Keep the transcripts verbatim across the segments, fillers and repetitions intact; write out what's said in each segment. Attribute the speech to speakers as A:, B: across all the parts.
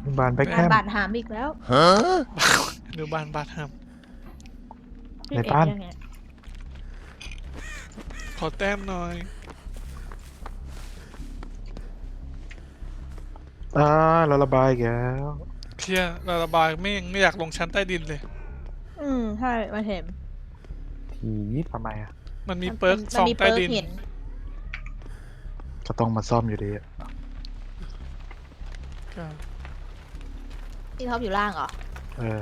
A: บานแบ็คแฮ
B: งาน
A: ม
B: บาดหามอีกแล้ว
C: ฮะ
D: ดูบ้านบ้านห้าม
A: ในบ้าน
B: ยังไง
D: ขอแต้มหน่อย
A: อ่าเราระบายอีกแล้ว
D: เคลียร์ระบายไม่ไม่อยากลงชั้นใต้ดินเลย
B: อืมใช่มาเห็น
C: ทีวิต
A: ทำไมอ่ะ
D: มันมีเปิร์ก
B: มัน
D: สอง
B: มี
D: ใต้
B: เปิร์ก
D: ดิน
B: เห็น
A: ก็ต้องมาซ่อมอยู่ดีอะ
D: ก็
B: ที่ท็อปอยู่ล่างเหรอ
A: เออ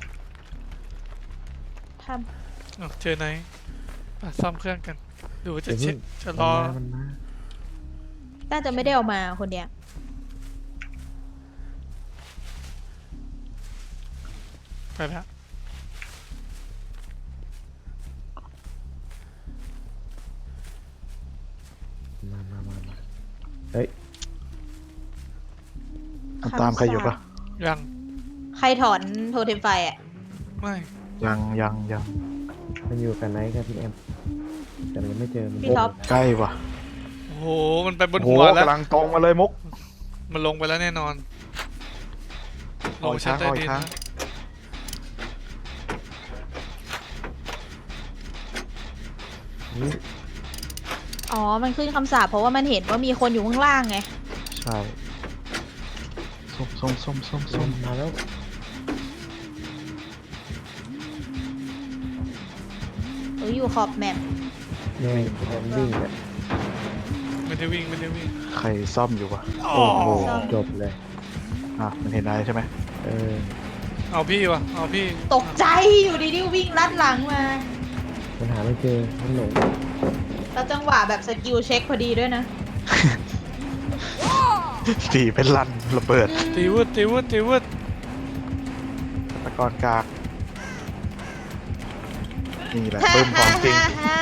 B: ท
D: อ้าวเจอไหนอ่ะซ่อมเครื่องกันดูว่าจะ
C: เดี๋ยว
D: เช็
C: เพิ่
D: ค
C: ง
D: จะร
C: มัน
D: อ
C: มามันมา
B: ำน่าจะไม่ได้เอามาคนเดียว
D: ไปแล้ว
C: มามามามาเฮ้ย
A: มันตามใครอยู่ปะ
D: ยัง
B: ใครถอนโทเทมไฟอ่ะ
D: ไม่
A: ยังยังยัง
C: มันอยู่กันไหนครับพี่แอมแต่เราไม่เจอมัน
B: พี่ท็อป
A: ใกล้ว่ะ
D: โอ้โหมันไปบน
A: โอ้โห
D: หัวแล้ว
A: กำลังตรงมาเลยมุก
D: มันลงไปแล้วแน่นอนล
A: เอา
D: ง
A: อีก
D: ชั้น
A: ครั้ง
D: ใต้
A: เอาอี
D: ดิ
A: ก
D: น
A: ครั้ง
D: นะ
C: นี่
B: อ๋อมันขึ้นคำสาปเพราะว่ามันเห็นว่ามีคนอยู่ข้างล่างไง
A: ใช่ส้มส้มส้มส้ม
C: ล
A: ส้ม
C: มมาแล้ว
B: หรืออยู่ขอบแมป
C: เนี่ยแอมวิ่งเนี่ย
D: ไม่ได้วิ่งไม่ได้วิ่ง
A: ใครซ่อมอยู่วะ
D: โอ้
C: โอ้
D: โห
C: โหจบเลย
A: อ่ะมันเห็นอะไรใช่ไหม
C: เออ
D: เอาพี่วะเอาพี่
B: ตกใจอยู่ดีๆวิ่งลัดหลังมา
C: มันหาไม่เจอมันหลง
B: แล้วจังหวะแบบสกิลเช็คพอดีด้วยนะ
A: ตีเป็นลันระเบิด
D: ตีวุดตีวุดตีวุด
A: ตะกอนกากนี่แหละเพิ่มของจริง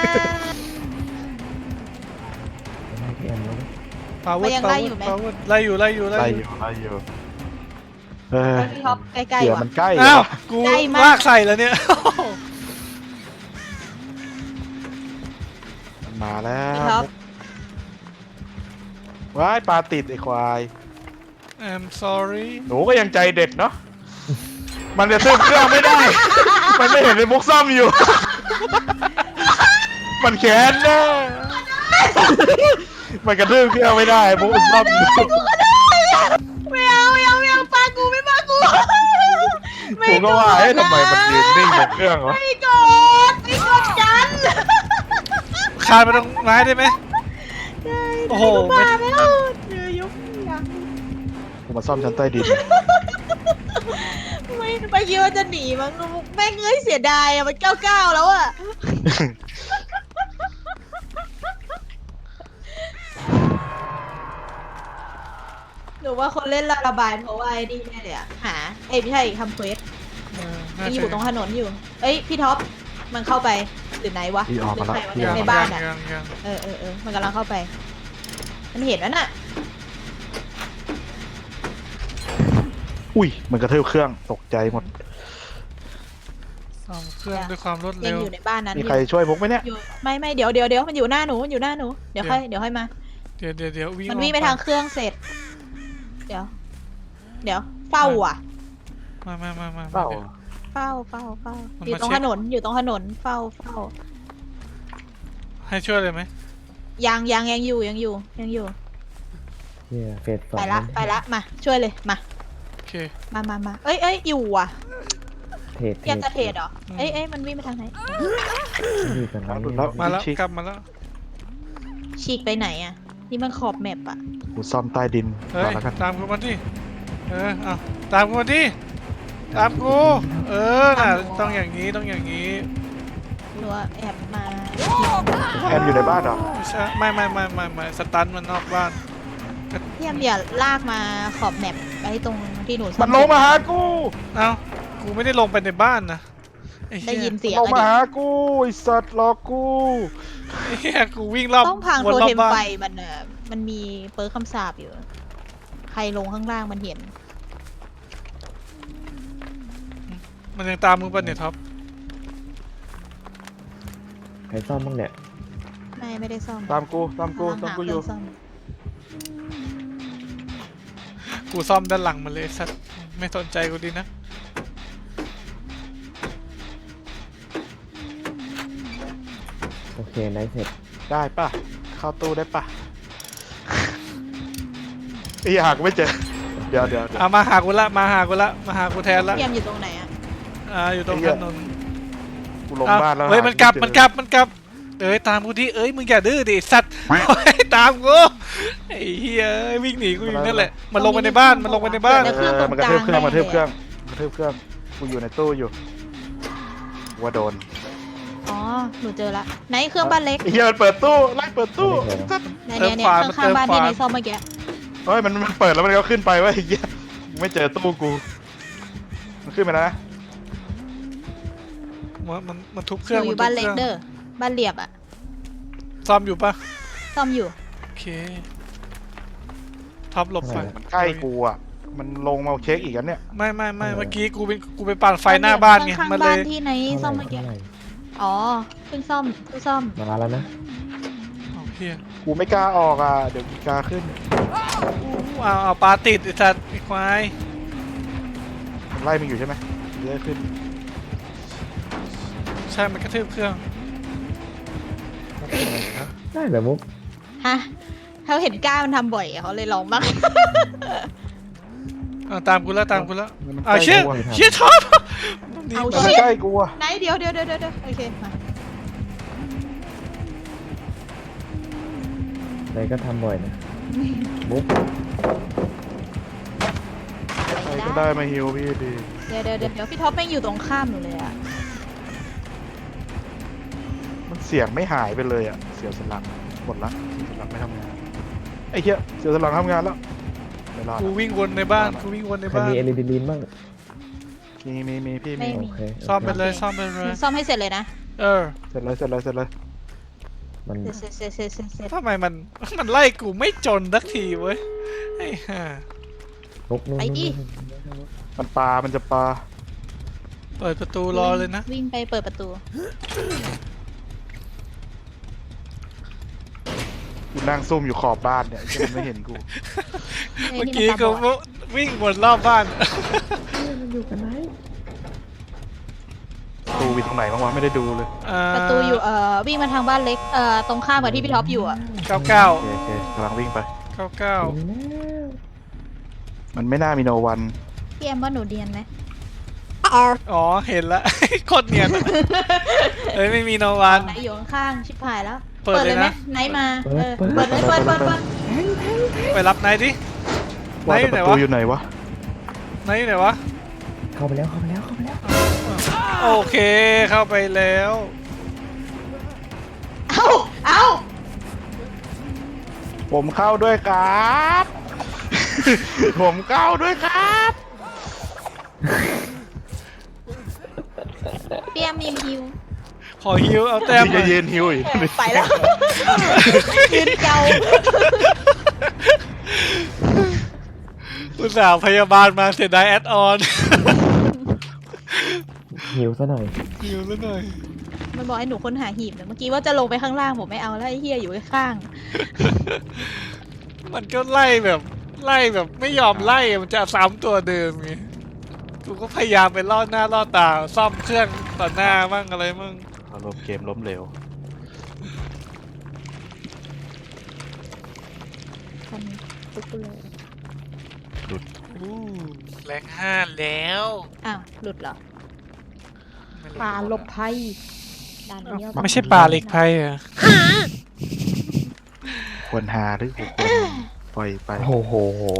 C: ไม่ให้พี่แอมแล้ว
D: ปาวุ
B: มั
D: ด
B: นยัง
D: ปา
B: ไล่
D: วุ
B: อยู่
D: ด
B: ไหม
D: ปาวุดไล่อยู่ไล่อยู่
A: ไล่
D: ไล่
A: อ
D: อยู่
A: ยู่ไล่อยู่เออ
B: แล้วพี่ท็อปใกล้
A: เดี๋
B: ๆ
A: ยว
B: ว่ะ
A: มันใกล้
D: อ้าว
A: ว่ะ
D: กู
B: ใกล้มาก
D: ลากใส่แล้วเนี่ย
A: มันมาแล้
B: พี่ท็อ
A: ว
B: ป
A: ว้ายปลาติดไอ้ควาย
D: I'm sorry
A: หนูก็ยังใจเด็ดเนาะ มันจะซื้อเครื่องไม่ได้ มันไม่เห็นในมุกซ่อมอยู่ มันแค้นแน่มันกระทืบเครื่องไม่ได้มุกมันซ่อมอยู่
B: ไม่เอาไม่เอาไม่เอาปากูไม่ปากูไม่
A: ผมก็ว่าเอ๊ะทำไมมันยืนนิ่งบนเครื่องวะ
B: ไม่กดไม่กดกัน
D: คานไปตรงไม้ได้ไหม โอ้โห
B: ไม่
D: ไม่
B: มาไม่เอาเดือยกยัง
A: ผมมาซ่อมชั้นใต้ดิน
B: ไม่ไปคิดว่าจะหนีมั้งแม่งเอ้ยเสียดายอะมันเก้าเก้าแล้วอะหนูว่าคนเล่นระบายเพราะว่าไอ้นี่แน่เลยอะหาเอ้ยไม่ใช่ทำเควส
D: เออ
B: มั
D: น่าน
B: อ
D: จะ
B: ยู่ตรงถนนอยู่ เอ้ยพี่ท็อปมันเข้าไปหรือไหนวะ
A: พี่ออกมาแล้ว
B: หรือใครวะ
A: พี่ออก
B: ในบ้านอะ
D: ยังยัง
B: เออเออเออมันกำลังเข้าไป มันเห็นแล้วน่ะ
A: อุ้ยมันกระทืบเครื่องตกใจหมด
D: ซ่อมเครื่องด้วยความรวด
B: ยั
D: เร็
B: ง
D: ว
B: อยู่ในบ้านนั้น
A: มี
B: อยู่
A: ใครช่วยมุกไหมเนี่ย
B: อยู่ไม่ไม่เดี๋ยวเดี๋ยวเดี๋ยวมันอยู่หน้าหนูมันอยู่หน้าหนูเดี๋ยวค่อยเดี๋ยวค่อยมา
D: เดี๋ยวเดี๋ยวเดี๋ยววิ่ง
B: มัน
D: ออก
B: วิ่งไปทางเครื่องเสร็จ เดี๋ยว เดี๋ยวเฝ้าอ่ะ
D: มามามามา
A: เปล่า
D: ดี๋ยว
B: เฝ้าเฝ้าเฝ้า
D: มัน
B: อยู่
D: มา
B: ตรง
D: เช็
B: ถ
D: ค
B: นนอยู่ตรงถนนเฝ้าเฝ้า
D: ให้ช่วยเลยไหม
B: ยังยังยังอยู่ยังอยู่ยังอยู่
C: เนี่ยเฟสสอง
B: ไปละไปละมาช่วยเลยมา
D: โอเค
B: มามามาเอ้ยเอ้ยอยู่อ่ะ
C: เทรด
B: อยากจะเทรดเหรอเอ้ยเอ้ยมันวิ่งไปทางไหน
C: อยู่กันไหน
A: หลุดแล้ว
D: มาแล้ว
A: ชิค
D: กลับมาแล้ว
B: ฉีกไปไหนอ่ะนี่มันขอบแมปอ่ะ
A: กูซ่อมใต้ดิน
D: เฮ้
A: ก่อย นแล้วกัน
D: ตามกูมาดิเออเอาตามกูมาดิตามกูเออน่ะต้องอย่างนี้ต้องอย่างนี้
B: หรือว่าแอบมา
A: แอนอยู่ในบ้านเหรอ
D: ไม่ใช่ไม่ไม่ไม่ไม่ไม่สตันมันนอกบ้าน
B: พี่แอมอย่าลากมาขอบแมปไปตรงที่หนูซ่อ
A: มันลงมาหากู
D: เอ้ากูไม่ได้ลงไปในบ้านนะไอ้
B: ได้
D: เหี้ย
B: ยินเสียง
A: ลง
B: อะ
A: มา
B: ดิ
A: หากูไอสัตว์หลอกกู
D: ไอ้เหี้ยกูวิ่งรอบ
B: ต้องพัง
D: ว
B: โท
D: นรอ
B: เท
D: บ
B: ม
D: บ้าน
B: ไฟมันอ่ะมันมีเปิร์คำสาปอยู่ ใครลงข้างล่างมันเห็น
D: มันยังตามมึงป่ะเนี่ยท็อป
C: ใครซ่อมบ้างเนี่ย
B: ไม่ไม่ได้ซ่อม
A: ตามกูตามกูตามกูอยู่
B: กำลังหาเครื่องซ่อม
D: กูซ่อมด้านหลังมาเลยสัตว์ไม่สนใจกูดีนะ
C: โอเคไนท์เสร็จ
A: ได้ป่ะเข้าตู้ได้ป่ะไอ้หากไม่เจอเดี๋ยวเดี๋ยวเดี๋ยว
D: เอามาหากูละมาหากูละมาหากูแทนละ
B: พี่แอมอยู่ตรงไหนอะ
D: อ่าอยู่ตรงถนน
A: กูลง
D: อ้าว
A: บ้านแล้ว
D: เฮ้ย
A: หา
D: มันกลับ
A: ไเจอ
D: มันกลับมันกลับเอ้ยตามกูดิเอ้ยมึงอย่าดื้อดิสัตว์เฮ้ยตามกูไอ้เหี้ยวิ่งหนีกูอยู่นั่นแหละมันลงไปในบ้านมันลงไปในบ้าน
A: เออมันกระทืบเครื่องมันกระทืบเครื่องมันกระทืบเครื่องกูอยู่ในตู้อยู่ว่าโดน
B: อ๋อหนูเจอละไหนเครื่องบ้านเล็ก
A: ไอ้เหี้ยมันเปิดตู้ไล่เปิดตู้
B: เนี่ยเนี่ยเนี่ยข้างๆบ้านที่ไหนซ่อมเมื่อกี้
A: เฮ้ยมันมันเปิดแล้วมันก็ขึ้นไปเว้ยไอ้เหี้ยกูไม่เจอตู้กูมันขึ้นไปนะ
D: มันมันมันทุบเค
B: ห
D: รื่อง
B: นูอยู่
D: มั
B: บ้าน
D: ทุ
B: เล็ก
D: ครื่อง
B: เด้อบ้านเรียบอะ
D: ซ่อมอยู่ปะ
B: ซ่อมอยู่
D: โอเคท็อปหลบไฟ
A: มันใกล้กูอ่ะมันลงมาเช็คอีกอันเนี่ย
D: ไม่ไม่ไม่เมื่อกี้กูเป็นกูไปปั่นไฟหน้าบ้านไง
B: ข้าง
D: มัน
B: ๆ
D: เล
B: บ้าน
D: ย
B: ที่ไหนซ่อมเมื่อกี้
C: เท่าไหร่
B: อ๋อเพิ่งซ่อมเพิ่งซ่อม
C: มาแล้วนะ
D: โอเค
A: กูไม่กล้าออกอ่ะเดี๋ยวกีกาขึ้น
D: เอาเอาปลาติดไอ้สัตว์ไอ้ควาย
A: มันไล่มึงอยู่ใช่ไหมเยอะขึ้น
D: ใช่มันกระทืบเครื่อง
C: ได้เหรอมุก
B: ฮะเขาเห็นก้ามันทำบ่อยอะเขาเลยลองบ้าง
D: เอาตามกูแล้วตามกูแล้ว
A: มัน
D: เอา
A: ใกล้
D: เชี่ย
A: กูอะ
D: เชี่ยท็อป
B: เอา
A: มัน
B: ชิ
A: ใกล้กูอ่ะ
B: ไหนเดี๋ยวเดี๋ยวเดี๋ยวเดี๋ยวโอเคมา
C: ไนท์ก็ทำบ่อยนะมุก
A: ใครก็ได้มาฮิวพี่ดี
B: เดี๋ยวเดี๋ยวเดี๋ยวเดี๋ยวพี่ท็อปแม่งอยู่ตรงข้ามหนูเลยอะ
A: มันเสียงไม่หายไปเลยอ่ะเสียสลักหมดละเสียสลักไม่ทำงานไอ้เหี้ยเสียสลักทำงานแล้วไม่รอด
D: กูวิ่งวนในบ้านกูวิ่งวนใน
C: ใคร
D: บ้าน
C: มีเอลิดิลินบ้าง
A: มีมีมีพี่
B: ไม่
A: มี
C: โอเค
D: ซ่อมไปเลยซ่อมไปเล
B: หนู
D: ย
B: ซ่อมให้เสร็จเลยนะ
D: เออ
A: เสร็จเลยเสร็จเลยเสร็จเลย
C: มัน
B: เสร็จเสร็จเสร็จเสร็จเสร็จ
D: ทำไมมันมันไล่กูไม่จนสักทีเว้ยไอ้ห่า
C: มุกนู่นนู่นนู่น
A: มันปลามันจะปลา
D: เปิดประตูรอเลยนะ
B: วิ่งไปเปิดประตู
A: กูนั่งซุ่มอยู่ขอบบ้านเนี่ยไอ้เหี้ยมันไม่เห็นกู
D: เมื่อกี้กูวิ่งวนรอบบ้าน
C: มันอยู่กันไหน
A: ตูอยู่ตรงไหนบ้างวะไม่ได้ดูเลย
D: อ่า
B: ประตูอยู่เอ่อวิ่งมาทางบ้านเล็กเอ่อตรงข้ามกับที่พี่ท็อปอยู่อะ
D: เก้าเก้า
A: โอเคโอเคกำลังวิ่งไป
D: เก้าเก้า
C: ถึงแล้ว
A: มันไม่น่ามีโนวัน
B: พี่แอมว่าหนูเดียนไหม
D: อ๋อเห็นละ โคตรเนียนอะเอ้ยไม่มีโนวัน
B: ไหนอยู่ข้างๆชิบหายแล้ว
D: เปิดเลยนะ
B: ไหมไหนมาเออเปิดเลยเปิดเปิดเปิด
D: ไปรับนายดิ
A: ว่าแต่
D: ไหน
A: ประ
D: ไหนวะ
A: ตูอยู่ไหนวะ
D: นายอยู่ไหนวะ
C: เข้าไปแล้วเข้าไปแล้วเข้าไปแล้ว
D: โอเคเข้าไปแล้ว
B: เอ้าเอ้า
A: ผมเข้าด้วยครับ ผมเข้าด้วยครับ
B: พี่แอมมีฮิว
D: ขอฮิวเอาแต้ม
A: พี่จะยืนฮิวอีก
B: ไปแล้วยืนเกา
D: อุตส่าห์พยาบาลมาเสียดายแอดออน
C: หิวซะหน่อย
D: ฮิวซะหน่อย
B: มันบอกให้หนูค้นหาหีบแต่เมื่อกี้ว่าจะลงไปข้างล่างผมไม่เอาแล้วไอ้เฮียอยู่ข้าง
D: มันก็ไล่แบบไล่แบบไม่ยอมไล่อะมันจะซ้ำตัวเดิมไงกูก็พยายามไปล่อหน้าล่อตาซ่อมเครื่องต่อหน้ามั่งอะไรมั่ง
A: อารมณ์เกมล้มเหลว
B: ๆคนตุ๊กเลย
D: อู้แรงห้าแล้ว
B: อ้าวหลุดเหรอปลาหลบภัยด่านนี้เราต้อง
D: ไม่ใช่ปลาเล็กไพ่อะ
A: ควรหาหรือควรปล่อยไป
C: โอ้โห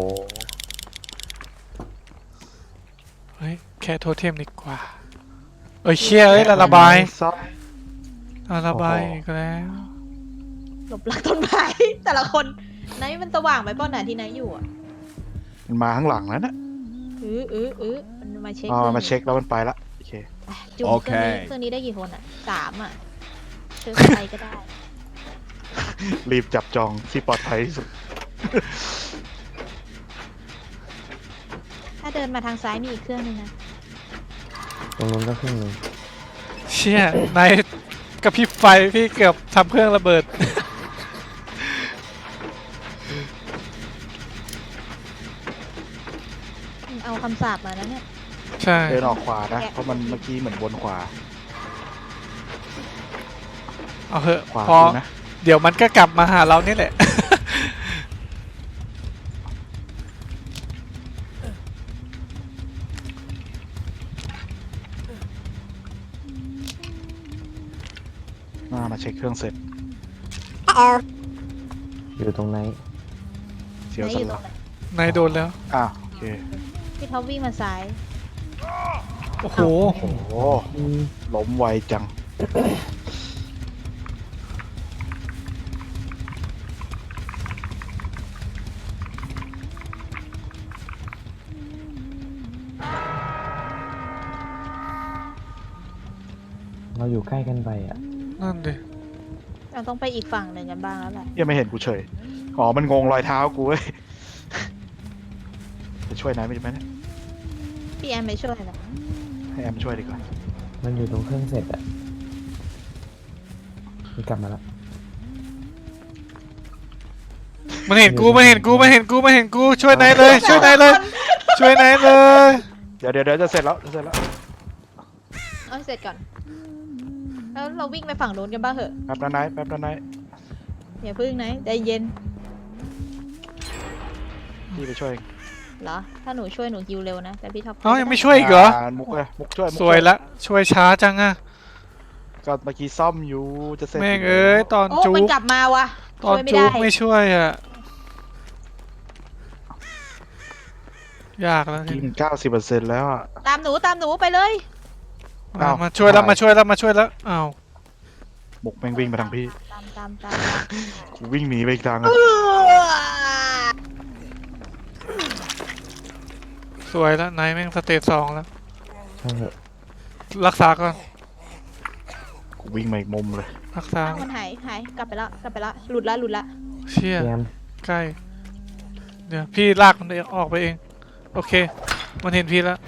D: เฮ้ยแค่โทเทมดีกว่าเอ้ยเชี่ยเอ้ยละระบาย
A: ซับ
D: ละระบายอีกแล้ว
B: หลบหลังต้นไม้แต่ละคนไหนมันสว่างไปป้อนไหนที่ไหนอยู่อ่ะ
A: มันมาข้างหลังแล้วนะ
B: เออเออเออมันมาเช็ค
A: อ๋อมาเช็คแล้วมันไปละโอเค
B: อ่ะจุ่ม
E: โอ
B: เค
E: เค
B: รื่องนี้เครื่องนี้ได้กี่คนอ่ะสามอ่ะเจอใครก็ได้
A: รีบจับจองที่ปลอดภัยที่สุด
B: ถ้าเดินมาทางซ้ายมีอีกเครื่องนึงนะ
C: ตรงนู้นก็ครึ่งหนึง
D: เชี่ยนายกระพริบไฟพี่เกือบทำเครื่องระเบิด
A: ก
B: เอาคำสาปมานะเนี่ย
D: ใช่
A: เดินออกขวานะ เพราะมันเมื่อกี้เหมือนวนขวา
D: เอาเถอะ
A: ขวา
D: พอ
A: ดูนะ
D: เดี๋ยวมันก็กลับมาหาเรานี่แหละ
A: มามาเช็คเครื่องเสร็จ
C: อยู่ตรงไหน
A: เสียว
B: ไหน
A: สั
B: อน ยู่ต
A: ห
B: ร
A: ลั
B: ง
A: ง
B: ไหน
D: นายโดนแล้ว
A: อ่ะโอเค
B: พี่ท็อปวิ่งมาซ้าย
D: โอ้โห
A: โอ้โห
C: อืม
A: ล้มไวจัง
C: เราอยู่ใกล้กันไปอ่ะ
D: นั่นดิ
B: เราต้องไปอีกฝั่งหนึ่งกันบ้างแล้วแหละ
A: ยังไม่เห็นกูเฉย อ๋อ มันงงรอยเท้ากูเว้ย จะช่วยนายไม่ได้ไหมเนี่ย
B: พี่แอมไปช่วยนะ
A: ให้แอมช่วยดีกว่า
C: มันอยู่ตรงเครื่องเสร็จอ่ะนี่กลับมาแล้ว
D: มันเห็นกูมันเห็นกูมันเห็นกูมันเห็นกูช่วยนายเลย ช่วยนายเลย ช่วยนายเลย
A: เดี๋ยวเดี๋ยวเดี๋ยวจะเสร็จแล้วจะเสร็จแล้ว
B: เอาเสร็จก่อน แล้วเราวิ่งไปฝั่งโน้นกันบ้างเหอะ
A: แป๊บนะนายแป๊บนะนาย
B: อย่าพึ่งนะใจเย็น
A: พี่ไปช่วยเอง
B: เหรอ ถ้าหนูช่วยหนูฮิวเร็วนะ แต่พี่ท็อป
D: เอ้ายังไม่ช่วยอีกเหรอ
A: ามุกเลยมุกช่วยมุก
D: สวยละช่วยช้าจังอะ
A: ก็เมื่อกี้ซ่อมอยู่จะเสร็จ
D: แม่งเอ้ยตอน
B: โอ้
D: จุ
B: มัน
D: ก
B: กลับมาวะ
D: ตอน
B: ช่วยไม่
D: จุ
B: ได้
D: กไม่ช่วยอะยากแล้ว
A: กิ
D: เนี่ย
A: นเก้าสิบเปอร์เซ็นต์แล้วอ่ะ
B: ตามหนูตามหนูไปเลย
D: มา
A: อ้าว
D: มาช่วยแล้ว
A: หาย
D: มาช่วยแล้วมาช่วยแล้วอ้าว
A: มุกแม่งวิ่งมาทางพี่
B: ตามตามตามตาม
A: กูวิ่งหนีไปอีกทางอ่ะ
D: สวยแล้วนายแม่งสเตจสองแล้ว
C: ช่างเถอะ
D: รักษาก่อน
A: กูวิ่งมาอีกมุมเลย
D: รักษา
B: อ้าวมันหายหายกลับไปแล้วกลับไปแล้วหลุดละหลุดละ
D: เชี่ย
C: พี่แอม
D: ใกล้เดี๋ยวพี่ลากมันเองออกไปเองโอเค มันเห็นพี่แล้ว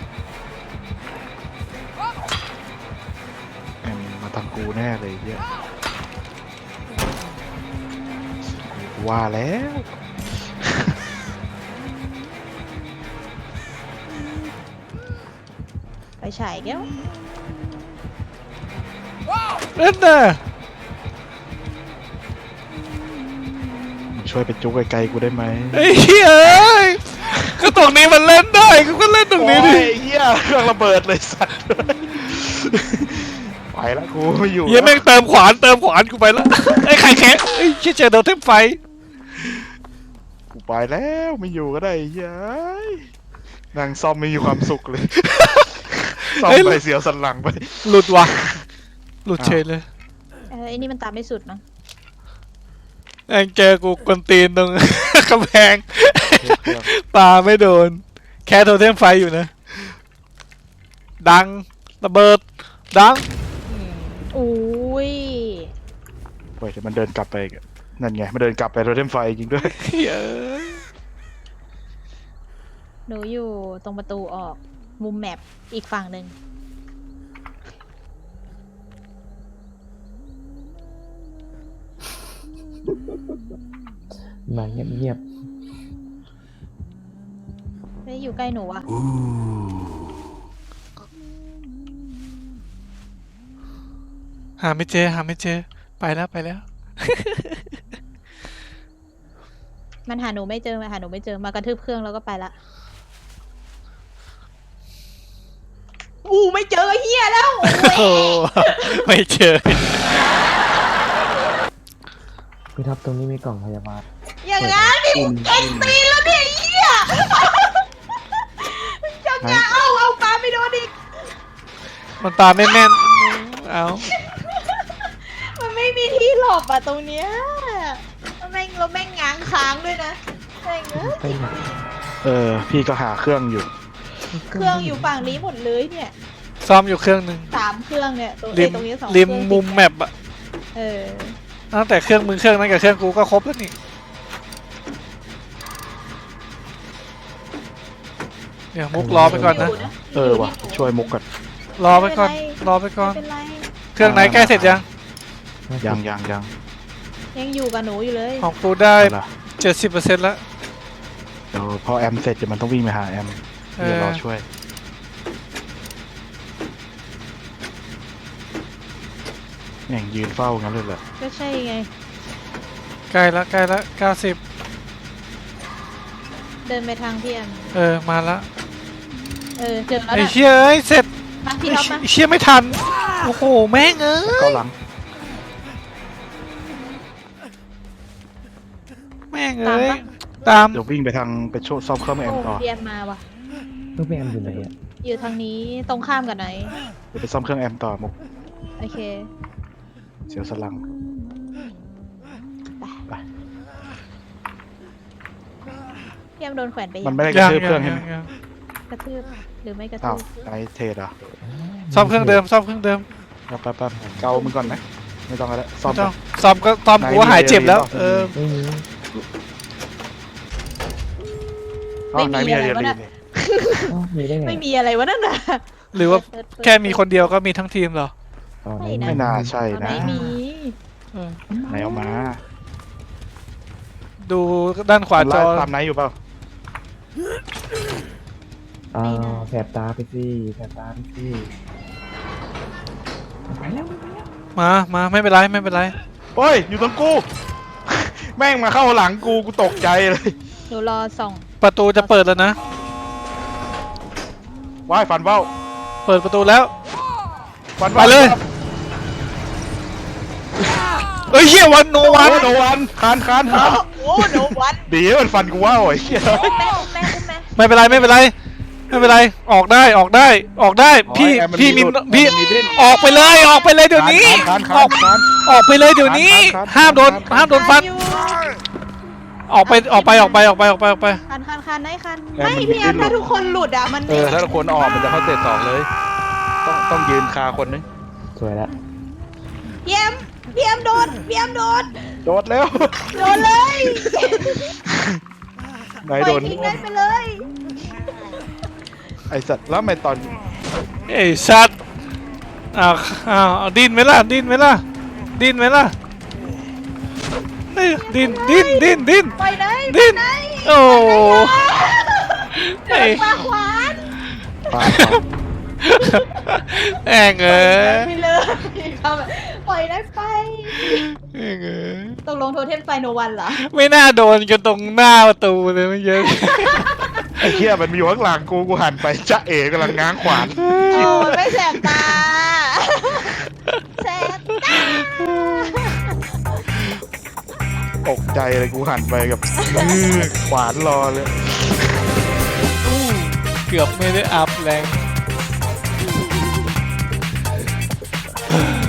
A: แอมมาทางกูแน่เลยเฮียกูว่าแล้ว
B: ไปฉายแก้ว
D: เล่นน่ะ
A: มึงช่วยไปจุกไกลๆกูได้ไหม
D: ไอ้เหี้ยเอ้ยก็ตรงนี้มันเล่นได้กูก็เล่นตรงนี้ดิ
A: โอ้ยเฮียเครื่องระเบิดเลยสัตว์ไปแล้วกูไม่อยู่
D: เหี้ยแม่งเติมขวานเติมขวานกูไปแล้วไอ้ไข่แข็งไอ้เชี่ยเจอโดนเทมไฟ
A: กูไปแล้วไม่อยู่ก็ได้เฮียนางซ่อมไม่มีความสุขเลยซ่อมไปเสียวสันหลังไป
D: หลุดว่ะหลุดเฉยเลย
B: เออไอ้นี่มันตามไม่สุดมั้ง
D: แม่งเจอกูกวนตีนตรง กำแพง
A: เครื่อง
D: ปาไม่โดน แค่โดนเทมไฟอยู่นะ ดังระเบิดดัง
B: อุ้ย
A: เฮ้ยเดี๋ยวมันเดินกลับไปอีกอะนั่นไงมันเดินกลับไปโรเทมไฟจริงด้วย
D: เหี้ย
B: หนูอยู่ตรงประตูออกมุมแมปอีกฝั่งหนึ่ง
C: มาเงียบ
B: ไม่ได้อยู่ใกล้หนูอะ
D: หาไม่เจอหาไม่เจอไปแล้วไปแล้ว
B: มันหาหนูไม่เจอมาหาหนูไม่เจอมากระทืบเครื่องแล้วก็ไปละอู้ไม่เจอเฮียแล้ว
D: โอ้ไม่เจอ
C: ๆพี่ท็อปตรงนี้มีกล่องพยาบาล
B: อย่างงั้นนี่เอ็งตีแล้วเนี่ยเฮียจังงาเอาเอาปลาไม่โดนอีก
D: มันตาไม่แม่นเอา
B: มันไม่มีที่หลบอะตรงเนี้ยแล้วแม่งเราแม่งง้างค้างด้วยนะแม่งเอ้ย
C: ไปไหน
A: เออพี่ก็หาเครื่องอยู่
B: เครื่องอยู่ฝั่งนี้หมดเลยเนี่ย
D: ซ่อมอยู่เครื่องหนึ่ง
B: สามเครื่องเนี่ยตรง
D: ริ
B: เอ้ย
D: ม
B: ตรงนี้สอง
D: ริม
B: เครื่อง
D: มุมแมปอะ
B: เออ
D: ตั้งแต่เครื่องมึงเครื่องนั้นกับเครื่องกูก็ครบแล้วนี่เดี๋ยวมุกรอไปก่อนนะ
A: เออว่ะช่วยมุกก่อน
D: รอไปก่อนรอไปก่อน
B: ไม่เป็นไร
D: เครื่องไหนใกล้เสร็จยัง
A: ยังยังยัง
B: ยังอยู่กับหนูอยู่เลย
D: ของกูได้
A: เอาล่ะ
D: เจ็ดสิบเปอร์เซ็นต์แล้ว
A: เดี๋ยวพอแอมเสร็จเดี๋ยวมันต้องวิ่งไปหาแอม
D: เอ
A: เดี๋ยว
D: อ
A: รอช่วยแม่งยืนเฝ้างั้นเลยเหรอ
B: ก็ใช่ไง
D: ใกล้ละใกล้ละเก้าสิบ
B: เดินไปทางพี่แอม
D: เออมาละ
B: เออเจอแล้ว
D: ไอ้
B: นะ
D: เชี่ยเอ้ยเสร็จ
B: มาพี่
D: ไอ้
B: ท็อปมา
D: เชี่ยไม่ทันโอ้โหแม่งเอ้ย
A: เก้าหลัง
D: แม่งเอ้ยตาม
A: เดี๋ยววิ่งไปทางไปโชว์ซ่อมเครื่องแอ
B: โอ้
A: มต่อ
B: พี่แอมมาว่ะ
C: เพื่อนพี่แอมอยู่ไหนอ่ะ
B: อยู่ทางนี้ตรงข้ามกับไหน
A: เดี๋ยวไปซ่อมเครื่องแอมต่อมุก
B: โอเค
A: เสียวสลัง ไป
B: พี่แอมโดนแขวนไป
A: มัน
B: ยัง
A: ไม่ได้กระ
D: ยัง
A: ทืบเค
D: ยั
A: รื่อง
D: ง
A: ใช่ไหม
D: ยัง
B: กระทืบหรือไม่กระ
A: อ้า
B: ทื
A: ว
B: บ
A: ไนท์เทรดเหรอ่ะ
D: ซ่อมเครื่องเดิมซ่อมเครื่องเดิม
A: แป๊บแป๊บแป๊บเกามึงก่อนไหมไม่ต้องแล้วซ่อม
D: ไม่ต้อง
A: ไป
D: ซ่อมก็ซ่อม
A: ไหน
D: กูว่าหายเจ็บแล้ว
A: มี
D: เออ
C: ไม่มี
A: อ๋อไหนมีอะไรดีนี่
C: อ๋อมีได้ไง
B: ไม่มีอะไรวะนั่นน่ะ
D: หรือว่า
B: เปิดเปิด
D: แค่มีคนเดียวก็มีทั้งทีมเหรอ
C: อ๋อไหน
B: ไม่นะ
A: ไม่น่าใช่
B: เอาไหน
A: นะ
B: มี
D: เออ
A: ไหนเอามา
D: ดูด้านขวาจอ
A: ตามไหนอยู่เปล่า
C: อ๋อแสบตาไปสิแสบตาไปสิไปแล้วไปแล้ว
D: มามาไม่เป็นไรไม่เป็นไร
A: โอ้ยอยู่ตรงกู แม่งมาเข้าหลังกูกูตกใจเลย
B: หนูรอส่อง
D: ประตูจะเปิดแล้วนะ
A: ว่ายฟันเบ้า
D: เปิดประตูแล้ว
A: ฟัน
D: ไปเลย เอ้ยเฮียวันโน
A: โอ้
D: วัน
A: โนวันคานคานคาน
B: โอ้โนวัน
A: ดีมันฟันกูว่าวไอ้เหี้ย
B: อุ้มแม่อุ้มแม่อุ้มแม่
D: ไม่เป็นไรไม่เป็นไรไม่เป็นไรออกได้ออกได้ออกได้พี่
A: อ๋อแอร์น
D: พี่มี
A: หลุด
D: พี่
A: มีดิ้น
D: ออกไปเลยออกไปเลยเดี๋ยวนี้
A: คาน
D: อ
A: คา
D: อน ก
A: คาน
D: ออกไปเลยเดี๋ยวนี้
A: คานคาน
D: ห้ามโดน
A: คาน
D: ห้ามโดนฟัน
B: อยู่
D: ออกไปออกไปออกไปออกไปออกไปออกไป
B: คันคันคันไหนคัน
A: แอร์
B: ไม่
A: มัน
B: พี่แอม
A: ดิ้นหลุด
B: ถ้าทุกคนหลุดอ่ะมัน
A: เออถ้าคนออกมันจะเข้าเตะสองเลย ต้องต้องยืนคาคนนึง
C: สวยแล้ว
B: พี่แอมพี่แอมโดนพี่แอมโดน
A: โดดแล้ว
B: โดนเลย
A: ไหน
B: ป
A: โด
B: ล่อย
A: น
B: ทิ้งได้ไปเลย
A: ไอสัตว์แล้วทำไมตอน
D: ไอ้สัตว์อ้าวอ้าวเอาดิ้นไหมล่ะดิ้นไหมล่ะดิ้นไหมล่ะเอ้ยดิ้นดิ้นดิ้นดิ้น
B: ปล่อยได้
D: ดิ้น
B: ปล่อยได้
D: โอ้
B: โดนปลาขวาน
A: ปา
D: แองเอ้ย
B: ไปเลยเขาแบบปล่อยได้ไป
D: แองเอ้ย
B: ตกลงโทเทมไฟโนวันเหรอ
D: ไม่น่าโดนกันตรงหน้าประตูเลยไม่เยอะ
A: ไอ้เหี้ยมันมีอยู่ข้างหลังกูกูหันไปจ๊ะเอ๋กำลังง้างขวาน
B: โอ้ยไม่แสบตาแสบตา
A: ตกใจเลยกูหันไปกับ ขวานรอเลย
D: เกือบไม่ได้อัพแรง